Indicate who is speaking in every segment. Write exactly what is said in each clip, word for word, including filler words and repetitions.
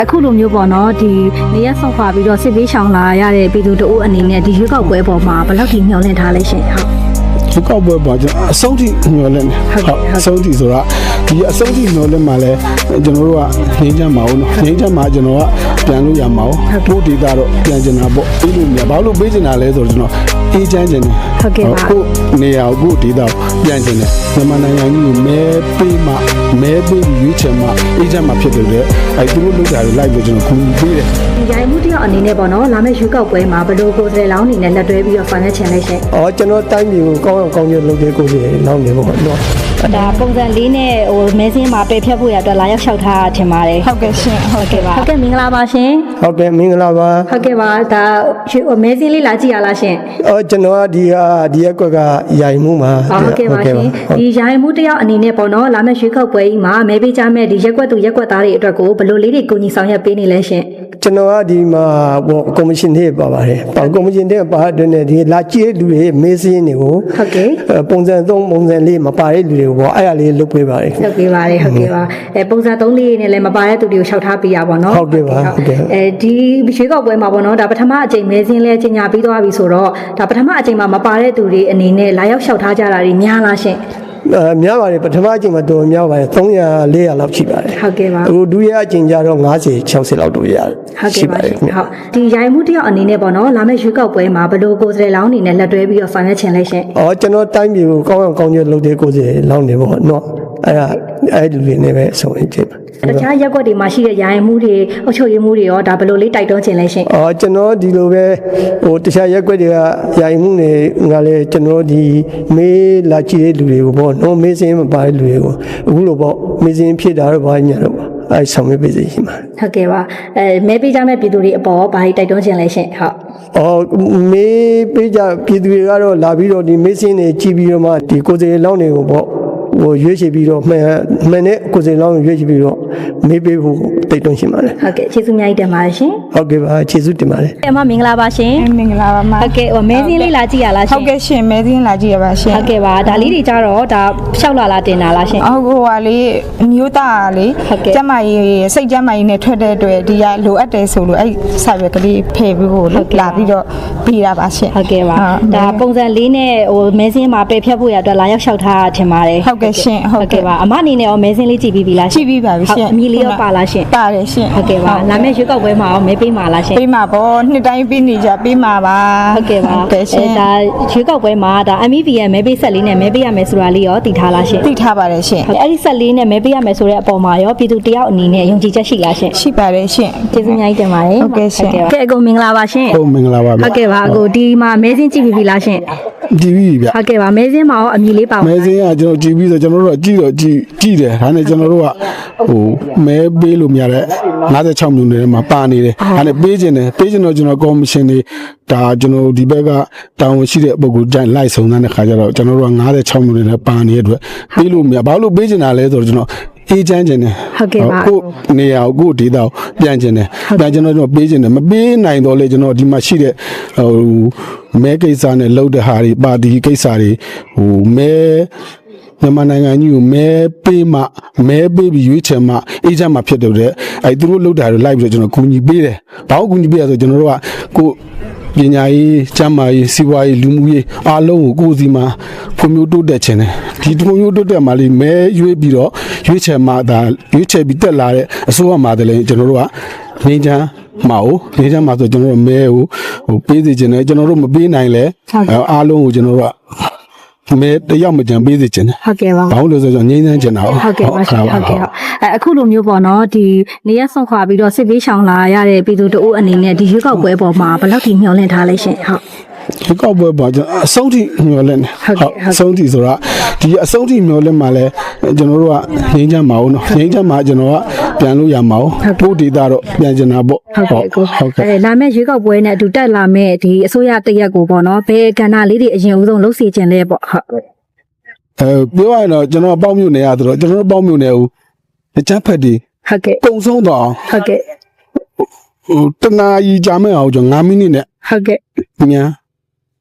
Speaker 1: အခုလိုမျိုးပေါ့နော်ဒီနေရဆောက်ခွာပြီးတော့စစ်ပေးရှောင်လာရတဲ့ပြည်သူတို့အနေနဲ့ဒီရွေးကောက်ပွဲပေါ်မှာဘယ်လောက်ထိမျှော်လင့်ထားလဲရှင်ဟုတ်
Speaker 2: ဒီကောက်ပွဲပေါ်ကျွန်တော်အဆုံးထိမျှော်လင့်တယ်ဟုတ်အဆုံးထိဆိုတော့ဒီအဆုံးထိမျှော်လင့်မှလည်းကျွန်တော်တို့ကငြိမ်းချမ်းမအောင်နော်ငြိမ်းချမ်းမှာကျွန်တော်ကပြန်လို့ရမှာအောင်ပို့ဒေတာတော့ပြန်ကျင်တာပေါ့ပြီးလို့မြဘာလို့ပေးကျင်တာလဲဆိုတော့ကျွန်တော်အေးချမ်းကျင်တယ်
Speaker 1: ဟုတ်ကဲ့ပါ
Speaker 2: ကိုနေရာကိုဒေတာပြန်ကျင်တယ်မြန်မာနိုင်ငံကြီးကိုမဲပေးမှမဲပေးရွေးချယ်မှအေးချမ်းမှဖြစ်တယ်လေအဲသူတို့လုပ်တာတွေလိုက်ပြီးကျွန်တော်ကူညီပေးတယ်
Speaker 1: ဒီရိုင်မှုတယောက်အနေနဲ့ပေါ့နော်လာမယ့်ရွေးကောက်ပွဲမှာဘယ်လိုကိုယ်စားလှယ်လောင်းအနေနဲ့လက်တွဲပြီးတော့ဆောင်ရွက်ချင်လဲရှင်
Speaker 3: အော်ကျွန်တော်တိုင်းပြည်ကိုကောင်းအောင်ကောင်းကျိုးလုပ်တဲ့ကိုယ်စီလောင်းနေပေါ့နော်
Speaker 1: ဒါပုံစံလေးနဲ့ဟိုမဲစင်းမှာပယ်ဖြတ်ဖို့ရအတွက်လာရောက်လျှောက်ထားထင်ပါတယ်
Speaker 4: ဟုတ်ကဲ့ရှင်
Speaker 1: ဟုတ်ကဲ့ပါဟုတ်ကဲ့မင်္ဂလာပါရှင်
Speaker 3: ဟုတ်ကဲ့မင်္ဂလာပါ
Speaker 1: ဟုတ်ကဲ့ပါဒါမဲစင်းလေးလာကြည့်ရလားရှင်
Speaker 3: အော်ကျွန်တော်ကဒီဟာဒီရက်ကွက်ကရိုင်မှုမှာ
Speaker 1: ဟုတ်ကဲ့ပါရှင်ဒီရိုင်မှုတယောက်အနေနဲ့ပေါ့နော်လာမယ့်ရွေးကောက်ပွဲကြီးမှာမဲပေးကြမဲ့ဒီရက်ကွက်သူရက်ကွက်သားတွေအတွက်ကိုဘယ်လိုလေးတွေကိုညီဆောင်ရွက်ပေးနေလဲရှင်
Speaker 3: ကျွန်တော်ကဒီမှာဟိုကော်မရှင်တွေပါပါတယ်ပေါ့ကော်မရှင်တွေပါတဲ့နဲ့ဒီလာကြည့်လူတွေမေးစင်းတွေကို
Speaker 1: ဟုတ်ကဲ့
Speaker 3: ပုံစံသုံးပုံစံလေးမပါတဲ့လူတွေကိုပေါ့အဲ့ဒါလေးလုပ်ပေးပါတယ်
Speaker 1: လုပ်ပေးပါတယ်ဟုတ်ကဲ့ပါအဲပုံစံသုံးလေးနဲ့လည်းမပါတဲ့သူတွေကိုလျှောက်ထားပေးရပါတော့
Speaker 3: ဟုတ်ကဲ့ပါဟုတ်ကဲ့
Speaker 1: အဲဒီရွေးကောက်ပွဲမှာပေါ့နော်ဒါပထမအကြိမ်မဲစင်းလဲကြီးညာပြီးသွားပြီဆိုတော့ဒါပထမအကြိမ်မှာမပါတဲ့သူတွေအနေနဲ့လာရောက်လျှောက်ထားကြတာတွေများလားရှင်
Speaker 3: အဲများပါတယ်ပထမအချိန်မှာတော်များပါတယ်သုံးရာလေးရာလောက်ရှိပါတယ်
Speaker 1: ဟုတ်ကဲ့ပါ
Speaker 3: အခုဒုတိယအချိန်ကျတော့၅၀ ၆၀လောက်တို့ရတယ်
Speaker 1: ဟုတ်ကဲ့ပါဟုတ်ဒီရိုင်မှုတယောက်အနေနဲ့ပေါ့နော်လာမယ့်ရွေးကောက်ပွဲမှာဘယ်လိုကိုယ်စားလှယ်လောင်းအနေနဲ့လက်တွဲပြီးတော့ဆောင်ရွက်ချင်လဲရှင်
Speaker 3: အော်ကျွန်တော်တိုင်းပြည်ကိုကောင်းအောင်ကောင်းကျိုးလုပ်တဲ့ကိုယ်စားလှယ်လောင်းနေပေါ့နော်အဲ့ဒါအဲ့ဒီလူတွေနဲ့ပဲဆောင်ရွက်ခြင်း
Speaker 1: တခြားရက်ွက်တွေမှာရှိတဲ့ရိုင်မှုတွေအုပ်ချုပ်ရေးမှုတွေရောဒါဘယ်လိုလေးတိုက်တွန်းခြင်းလဲရှင်
Speaker 3: အော်ကျွန်တော်ဒီလိုပဲဟိုတခြားရက်ွက်တွေကရိုင်မှုတွေကလည်းကျွန်တော်ဒီမေးလာကြည့်တဲ့လူတွေကိုပေါ့နော်မေးစင်းမပါတဲ့လူတွေကိုအခုလိုပေါ့မေးစင်းဖြစ်တာတော့ဘာညာတော့အဲဆောင်ရွက်ပေးစီရှိမှာ
Speaker 1: ဟုတ်ကဲ့ပါအဲမဲပေးကြမဲ့ပြည်သူတွေအပေါ်ဘာတိုက်တွန်းခြင်းလဲရှင်ဟုတ်
Speaker 3: အော်မေးပေးကြပြည်သူတွေကတော့လာပြီးတော့ဒီမေးစင်းတွေကြည့်ပြီးတော့မှဒီကိုယ်စီလောင်းတွေကိုပေါ့ဟိုရွေးချယ်ပြီးတော့မှန်မှန်တဲ့ကိုယ်စီလောင်းရွေးချယ်ပြီးတော့မေးပေးဖို့တိုက်တွန်းရှင်ပါတယ်
Speaker 1: ဟုတ်ကဲ့ကျေးဇူးအများကြီးတင်ပါတယ်ရှင်
Speaker 3: ဟုတ်ကဲ့ပါကျေးဇူးတင်ပါတယ်
Speaker 1: အမမင်္ဂလာပါရှင်
Speaker 4: မင်္ဂလာပါမ
Speaker 1: ဟုတ်ကဲ့ဟိုမဲစင်းလေးလာကြည့်ရလားရှင်
Speaker 4: ဟုတ်ကဲ့ရှင်မဲစင်းလာကြည့်ရပါရှင်
Speaker 1: ဟုတ်ကဲ့ပါဒါလေးတွေကြတော့ဒါလျှောက်လာလာတင်တာလားရှင်
Speaker 4: ဟုတ်ဟိုဟာလေးအမျိုးသားလေကျမကြီးစိတ်ကျမကြီးနဲ့ထွက်တဲ့အတွက်ဒီကလိုအပ်တယ်ဆိုလို့အဲ့စာရွက်ကလေးဖယ်ပြီးဖို့လာပြီးတော့ပြီးတာပါရှင်
Speaker 1: ဟုတ်ကဲ့ပါဒါပုံစံလေးနဲ့ဟိုမဲစင်းမှာပယ်ဖြတ်ဖို့ရအတွက်လာရောက်လျှောက်ထားထင်ပါတယ်
Speaker 4: ဟုတ်ကဲ့ရှင်
Speaker 1: ဟုတ်ကဲ့ပါအမအနေနဲ့ရောမဲစင်းလေးကြည့်ပြီးပြီလား
Speaker 4: ကြည့်ပြီးပါပြီရှင်
Speaker 1: အမီလေးရောပါလားရှင်
Speaker 4: ပါတယ်ရှင်
Speaker 1: ဟုတ်ကဲ့ပါလာမယ့်ရွေးကောက်ပွဲမှာရောမဲပေးမှာလားရှင်
Speaker 4: ပေးမှာပေါ့နှစ်တိုင်းပေးနေကြပေးမှာပါ
Speaker 1: ဟုတ်ကဲ့ပါအဲဒါရွေးကောက်ပွဲမှာဒါ M V P ရဲ့မဲပေးဆက်လေးနဲ့မဲပေးရမယ်ဆိုတာလေးရောသိထားလားရှင်
Speaker 4: သိထားပါတယ်ရှင်
Speaker 1: အဲ့ဒီဆက်လေးနဲ့မဲပေးရမယ်ဆိုတဲ့အပေါ်မှာရောပြည်သူတယောက်အနေနဲ့ယုံကြည်ချက်ရှိလားရှင်
Speaker 4: ရှိပါတယ်ရှင်
Speaker 1: ကျေးဇူးအများကြီးတင်ပါတယ်
Speaker 4: ဟုတ်ကဲ့ရှင်
Speaker 1: ကဲအကုန်မင်္ဂလာပါရှင်
Speaker 2: ဟုတ်မင်္ဂလာပါ
Speaker 1: ဟုတ်ကဲ့ပါအကိုဒီမှာမဲစင်းကြည့်ပြီလားရှင်
Speaker 2: ကြည့်ပြီဗျ
Speaker 1: ဟုတ်ကဲ့ပါမဲစင်းမှာရောအမီလေးပါ
Speaker 2: မဲစင်းကကျွန်တော်ကြည့်ပြီးဆိုကျွန်တော်တို့ကကြည့်တော့ကြည့်ကြည့်တယ်ဒါနဲ့ကျွန်တော်တို့ကဟိုမဲပေးလို့မရတဲ့၅၆မျိုးတွေမှာပါနေတယ်ဒါနဲ့ပေးခြင်းတယ်ပေးခြင်းတော့ကျွန်တော်ကော်မရှင်တွေဒါကျွန်တော်ဒီဘက်ကတာဝန်ရှိတဲ့ပုံကိုကြိုင်လိုက်စုံစမ်းတဲ့ခါကျတော့ကျွန်တော်တို့က၅၆မျိုးတွေနဲ့ပါနေတဲ့အတွက်ပေးလို့မရဘာလို့ပေးခြင်းတာလဲဆိုတော့ကျွန်တော်အေးချမ်းခြင်းတယ်
Speaker 1: ဟုတ်ကဲ့ပါ
Speaker 2: ကိုနေရာကိုဒေတာကိုပြန်ခြင်းတယ်ပြန်ကျွန်တော်တို့ပေးခြင်းတယ်မပေးနိုင်တော့လေကျွန်တော်ဒီမှာရှိတဲ့ဟိုမဲကိစ္စနဲ့လှုပ်တဲ့ဟာတွေပါတီကိစ္စတွေဟိုမဲမြန်မာနိုင်ငံကြီးကိုမဲပေးမှမဲပေးပြီးရွေးချယ်မှအေးချမ်းမှဖြစ်တယ်တဲ့အဲသူတို့လှုပ်တာတွေလိုက်ပြီးတော့ကျွန်တော်ကူညီပေးတယ်ဘာလို့ကူညီပေးရဆိုကျွန်တော်တို့ကကိုပညာရေးကျန်းမာရေးစီးပွားရေးလူမှုရေးအားလုံးကိုကိုယ်စီမှာဖွံ့ဖြိုးတိုးတက်ခြင်းတယ်ဒီဖွံ့ဖြိုးတိုးတက်မှလေးမဲရွေးပြီးတော့ရွေးချယ်မှဒါရွေးချယ်ပြီးတက်လာတဲ့အစိုးရမှတည်းကျွန်တော်တို့ကငင်းချမ်းမအောင်ငင်းချမ်းမှာဆိုကျွန်တော်တို့မဲကိုဟိုပေးစီခြင်းတယ်ကျွန်တော်တို့မပေးနိုင်လဲအားလုံးကိုကျွန်တော်တို့ကမဲတယောက်မကြံပေးစေချင်တယ်
Speaker 1: ဟုတ်ကဲ့ပါ
Speaker 2: ဘာလို့လဲဆိုတော့ငြိမ်းချမ်းချင်တာ
Speaker 1: ဟုတ်ကဲ့ပါဟုတ်ကဲ့ဟုတ်အဲအခုလိုမျိုးပေါ့နော်ဒီနေရဆောက်ခွာပြီးတော့စစ်ပေးရှောင်လာရတဲ့ပြည်သူတို့အနေနဲ့ဒီရွေးကောက်ပွဲပေါ်မှာဘယ်လောက်ထိမျှော်လင့်ထားလဲရှင်ဟုတ်
Speaker 2: ဒီကောက်ပွဲပေါ်ကျွန်တော်အဆုံးထိမျှော်လင့်တယ်ဟုတ်အဆုံးထိဆိုတော့ဒီအဆုံးထိမျှော်လင့်မှလည်းကျွန်တော်တို့ကငြိမ်းချမ်းမအောင်နော်ငြိမ်းချမ်းမှာကျွန်တော်ကပြန်လို့ရမှာအောင်ပို့ဒေတာတော့ပြန်ကျင်တာပေါ့
Speaker 1: ဟုတ်ကဲ့ဟုတ်ကဲ့အဲလာမယ့်ရွေးကောက်ပွဲနဲ့အတူတက်လာမယ့်ဒီအစိုးရတရက်ကိုပေါ့နော်ဘယ်ကဏ္ဍလေးတွေအရင်ဦးဆုံးလှုပ်စီခြင်းလဲပေါ့ဟုတ်
Speaker 2: အဲပြောရရင်တော့ကျွန်တော်ပေါင်းမြို့နယ်ရဆိုတော့ကျွန်တော်ပေါင်းမြို့နယ်ဦးအချမ်းဖက်ဒီ
Speaker 1: ဟုတ်ကဲ့
Speaker 2: ကုံဆုံးတော့
Speaker 1: ဟုတ်ကဲ့
Speaker 2: ဟိုတနာကြီးကြာမဲ့အောင်ကျွန်တော်၅မိနစ်နဲ့
Speaker 1: ဟုတ်ကဲ့
Speaker 2: မြန်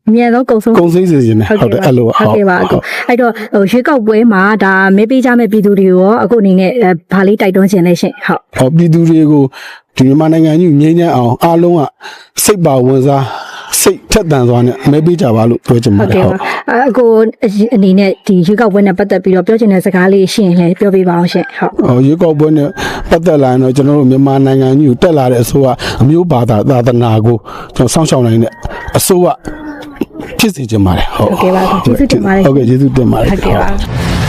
Speaker 1: အမြန်ဆုံးကုံဆုံး
Speaker 2: ကုံစိမ့်စေခြင်းနဲ့ဟုတ်တယ်အဲ့လို
Speaker 1: ဟုတ်ကဲ့ပါအခုအဲ့တော့ဟိုရွေးကောက်ပွဲမှာဒါမဲပေးကြမဲ့ပြည်သူတွေကိုရောအခုအနေနဲ့ဘာလေးတိုက်တွန်းခြင်းလဲရှင်ဟုတ်
Speaker 2: ဟောပြည်သူတွေကိုဒီမြန်မာနိုင်ငံကြီးငြိမ်းချမ်းအောင်အားလုံးကစိတ်ပါဝင်စားစိတ်ထက်သန်စွာနဲ့မဲပေးကြပါလို့ပြောချင်ပါ
Speaker 1: ဟုတ်
Speaker 2: တယ်
Speaker 1: ကဲ့
Speaker 2: ဟုတ်
Speaker 1: ပါအခုအနေနဲ့ဒီရွေးကောက်ပွဲနဲ့ပတ်သက်ပြီးတော့ပြောချင်တဲ့စကားလေးရှင်လည်းပြောပြပါအောင်ရှင်ဟုတ်
Speaker 2: ဟောရွေးကောက်ပွဲနဲ့ပတ်သက်လာရင်တော့ကျွန်တော်တို့မြန်မာနိုင်ငံကြီးကိုတက်လာတဲ့အစိုးရအမျိုးဘာသာသာသနာကိုကျွန်တော်စောင့်ရှောက်နိုင်တဲ့အစိုးရဖြစ်စေချင်ပါတယ်ဟုတ်
Speaker 1: ဟုတ်ကဲ့ပါကျေးဇူးတင်ပါတယ်
Speaker 2: ဟုတ်ကဲ့ကျေးဇူးတင်ပါတယ်
Speaker 1: ဟုတ်ကဲ့ပါ